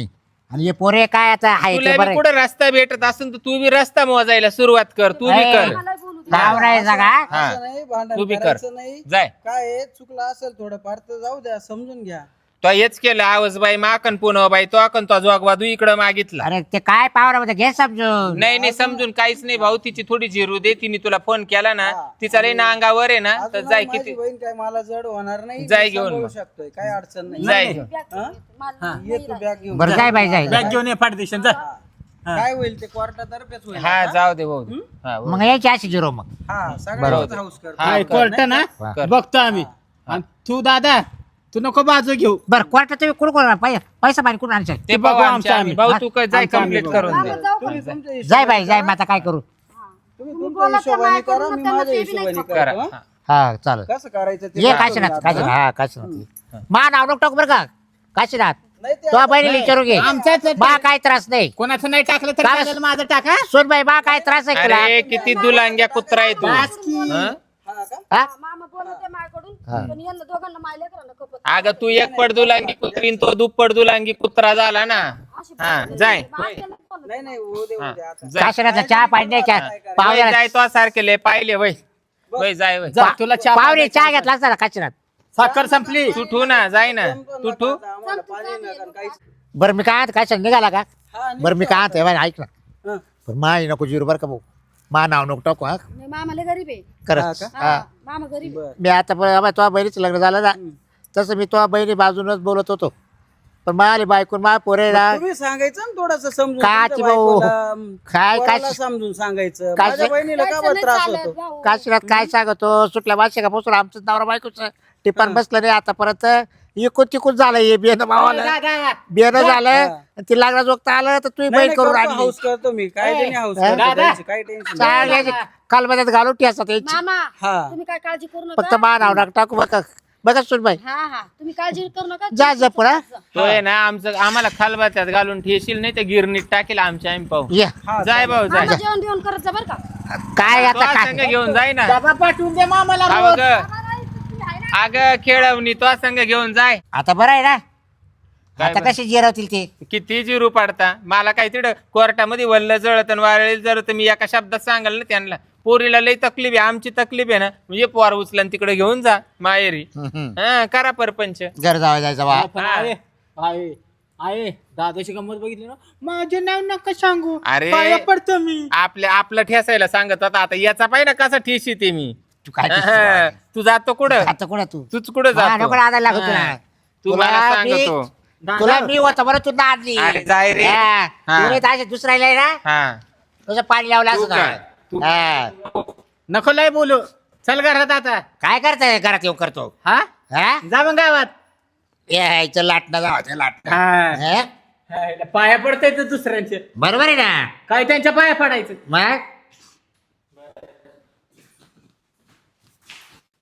Speaker 1: आणि हे पोरे काय आता आहे
Speaker 3: तुला
Speaker 1: ते
Speaker 3: बी
Speaker 1: बरं
Speaker 3: कुठं रस्ता भेटत असेल तर तू बी रस्ता मोजायला सुरुवात कर तू बी
Speaker 1: ए.
Speaker 3: कर
Speaker 2: मला बोलू दे.
Speaker 1: नाव नाही जागा
Speaker 3: हा
Speaker 5: असं नाही भांडण
Speaker 3: तू बी कर.
Speaker 5: करायचं नाही.
Speaker 3: जाय
Speaker 5: काय आहे, चुकलं असेल थोडंफार तर जाऊ द्या, समजून घ्या.
Speaker 3: तो हेच केलं आवाज बाई माकन पुन्हा बाई तो अकन तो जोगवा तू इकडं मागितला
Speaker 1: अरे ते काय पावरा घे समजून
Speaker 3: नाही नाही समजून काहीच नाही भाऊ तिची थोडी जिरू दे तिने तुला फोन केला ना तिचा लई ना अंगावर आहे ना तर
Speaker 5: अजून
Speaker 3: जाय
Speaker 5: माझी
Speaker 3: किती
Speaker 5: बहीण काय मला जड होणार नाही,
Speaker 3: जाय
Speaker 5: मी
Speaker 3: घेऊन
Speaker 5: सांभाळू
Speaker 3: मग.
Speaker 5: शकतोय, काय अडचण नाही.
Speaker 3: जाय
Speaker 2: बॅग घेऊन येते. मला
Speaker 5: ये तू बॅग घेऊन.
Speaker 1: बरं जाय बाई जाय
Speaker 4: बॅग घेऊन ये पाठदेशन जा.
Speaker 5: काय होईल ते कोर्टातर्फेच होईल.
Speaker 3: हा जाऊ दे भाऊ हा भाऊ.
Speaker 1: मग यायची अशी झिरो मग
Speaker 5: हा सगळ्यांच हाऊस कर.
Speaker 3: हा, कर.
Speaker 4: कोर्ट ना
Speaker 3: कर.
Speaker 4: बघतो आम्ही आणि तू दादा तू नको बाजू घेऊ.
Speaker 1: बरं कोर्टात तुम्ही कुठं कोण पैसा पाणी कुठून आणशाल
Speaker 3: ते
Speaker 4: बघू
Speaker 3: बघू
Speaker 4: आमचं
Speaker 3: आमच्या आम्ही
Speaker 4: आम्ही.
Speaker 3: भाऊ तू काय जाय
Speaker 4: आमचं आम्ही
Speaker 3: कम्प्लीट
Speaker 4: बघू.
Speaker 3: करून
Speaker 2: मामा
Speaker 3: दे
Speaker 2: जाऊ का?
Speaker 5: तुम्ही तुमच्या
Speaker 1: जाय
Speaker 5: हिशोबाने
Speaker 1: बाई जाय
Speaker 5: करा.
Speaker 1: मग आता काय करू
Speaker 5: तुम्ही
Speaker 2: तुम्ही
Speaker 5: तुमच्या
Speaker 2: बोला त्या
Speaker 5: हिशोबाने
Speaker 2: मायकडून
Speaker 5: करा, मी
Speaker 2: त्यांना
Speaker 5: माझ्या
Speaker 2: ते बी नाही
Speaker 5: हिशोबाने
Speaker 3: करा
Speaker 5: करतो,
Speaker 3: हा.
Speaker 1: हा चालेल
Speaker 5: हा. कसं करायचं ते
Speaker 1: ये
Speaker 5: सांगतो
Speaker 1: काशीनाथ
Speaker 5: मी
Speaker 1: काशीनाथ
Speaker 5: आता.
Speaker 1: हा काशीनाथ मा नाव नको टाकू बरं का काशीनाथ
Speaker 5: नाही ते
Speaker 1: तो
Speaker 5: आता-
Speaker 1: बहिणीला विचारू घे
Speaker 4: आमच्याच
Speaker 1: बा काय त्रास नाही
Speaker 4: कोणाचं नाही टाकलं तर
Speaker 1: काय?
Speaker 4: चालेल, माझं टाका.
Speaker 1: सोन बाई बा काय त्रास आहे तुला
Speaker 3: अरे किती दुलांग्या कुत्रा आहे तू
Speaker 4: बस की.
Speaker 3: हं?
Speaker 5: हा का?
Speaker 1: हा?
Speaker 2: मामा बोलत आहे माझ्याकडून पण यांना दोघांना मायले करा कपत
Speaker 3: अगं तू एक पड दुलांगी कुत्री तो दुप्पट दुलांगी कुत्रा झाला ना हा जाय
Speaker 5: नाही नाही होऊ दे होऊ दे आता.
Speaker 3: जाय.
Speaker 1: काशीनाथचा चहा पाणी नाही का
Speaker 3: वय
Speaker 1: पाहुण्याला
Speaker 3: जाय तो सारखे लय पाहिले वय वय जाय वय
Speaker 4: जा, तुला चहा
Speaker 1: पाहुणे
Speaker 4: पाण्याची
Speaker 1: चहा घेतला असता ना काशीनाथ
Speaker 4: साखर संपली.
Speaker 3: तू ठू ना जाय ना तू ठू
Speaker 5: आता आम्हाला पाणी नका आणि काहीच.
Speaker 1: बरं मी काय काशीनाथ निघाला का
Speaker 5: हा,
Speaker 1: बरं मी काय म्हणते बाई, ऐक ना
Speaker 5: हा.
Speaker 1: पण माही नको जिरू बरं का भाऊ मा नाव नको टाकू हा
Speaker 2: मामाला गरीब आहे
Speaker 1: खरंच
Speaker 5: हा का?
Speaker 1: हा
Speaker 2: हा, मामा गरीब आहे.
Speaker 5: बरं.
Speaker 1: मी आता तुझ्या बहिणीचं लग्न झालं ना तसं मी तुझ्या बहिणी बाजूनच बोलत होतो पण माझी बायकून मा पोरे ना
Speaker 5: तुम्ही सांगायचं ना थोडस समजून
Speaker 1: काची
Speaker 5: तुमच्या
Speaker 1: भाऊ.
Speaker 5: बायकोला, अम,
Speaker 1: काय-
Speaker 5: पोराला
Speaker 1: काय-
Speaker 5: समजून सांगायचं
Speaker 1: काय-
Speaker 5: माझ्या बहिणीला का
Speaker 2: जायचं
Speaker 5: बरं
Speaker 2: नाही
Speaker 5: त्रास
Speaker 2: चालत,
Speaker 5: होतो
Speaker 2: भाऊ.
Speaker 1: काशीनाथ काय सांगतो सुटल्या वार्षिकापासून आमचं नवरा बायकोचं टिपण बसलं नाही आतापर्यंत इकून तिकून झालं हे बियाणं भावाला
Speaker 4: दादा,
Speaker 1: बियाणं झालं
Speaker 5: हा.
Speaker 1: आणि ती लागला जोगत आलं तर तुम्ही
Speaker 5: नाही,
Speaker 1: बैल
Speaker 5: नाही,
Speaker 1: करून
Speaker 5: करतो,
Speaker 1: आणली
Speaker 5: हाऊस करतो मी काय त्यांनी हाऊस
Speaker 1: हा?
Speaker 5: करतो
Speaker 4: दादा.
Speaker 5: त्यांची, काही टेन्शन
Speaker 1: चांगल्याची कालबद्यात घालून ठेसा यायची
Speaker 2: मामा
Speaker 5: हा.
Speaker 2: तुम्ही काय काळजी करू
Speaker 1: फक्त
Speaker 2: नका
Speaker 1: मा नाव नका टाकू बघा बघा सुनबाई
Speaker 2: हा हा तुम्ही काळजी करू नका
Speaker 1: जा जपून हा
Speaker 3: तो आहे ना आमचं आम्हाला खालबात्यात घालून ठेशील नाही तर गिरणीत टाकेल आमच्या आम्ही पाहू
Speaker 1: ये
Speaker 5: हा,
Speaker 3: जाय भाऊ जाय
Speaker 2: मामा जेवण बिवण करत जा बरं का
Speaker 1: काय
Speaker 3: तो
Speaker 1: आता
Speaker 3: संघ
Speaker 1: काय
Speaker 3: घेऊन जाय ना
Speaker 4: डबा पाठवून दे मामाला
Speaker 3: हा
Speaker 4: रोज.
Speaker 3: बघ अगं खेळवणी तो संघ घेऊन जाय
Speaker 1: आता बरं आहे ना
Speaker 3: काय
Speaker 1: आता
Speaker 3: बरं?
Speaker 1: कशी जिरवतील ते
Speaker 3: किती जिरू पाडता मला काय तिकडं कोर्टामध्ये वल्ल जळत आणि वारळी जळत मी एका शब्दात सांगाल ना त्यांना पोरीला लई तकलीफ आहे आमची तकलीफ आहे ना म्हणजे पोर उचला तिकडे घेऊन जा माहेरी हा करा परपंच
Speaker 1: घर जावं जायचं बा
Speaker 4: पण आहे आहे आहे दादाची गंमत बघितली ना माझे नाव नका सांगू
Speaker 3: अरे.
Speaker 4: पाया पडतो मी
Speaker 3: आपल्या आपलं ठेसायला सांगत होता आता याचा पाहिजे कसा ठेस येते मी
Speaker 1: तू काय
Speaker 3: हा, तू जातो कुठं
Speaker 1: आता कोणा तू
Speaker 3: तूच कुठं
Speaker 1: हा,
Speaker 3: जातो
Speaker 1: नको आधार लागत तुला.
Speaker 3: हा, तू
Speaker 1: तुला
Speaker 3: मला
Speaker 1: मी-
Speaker 3: सांगतो
Speaker 1: तुला मी होतं बरं तू नादली
Speaker 3: अरे जाय रे.
Speaker 1: हा,
Speaker 3: हा.
Speaker 1: तू नाही दुसऱ्याला ना
Speaker 3: हा
Speaker 1: तुझं पाणी लावलं
Speaker 3: तू
Speaker 1: असं
Speaker 3: काय? तू-
Speaker 1: हा.
Speaker 4: नको लय बोलू चल घरात आता
Speaker 1: काय करताय घरात येऊ करतो
Speaker 4: हा
Speaker 1: हा
Speaker 4: जा मग गावात
Speaker 1: यायचं लाटणं जावं लाटणं
Speaker 4: हा.
Speaker 1: हा?
Speaker 4: पाया पडताय तर दुसऱ्यांचे
Speaker 1: बरोबर आहे ना
Speaker 4: काय त्यांच्या पाया पडायचं
Speaker 1: मग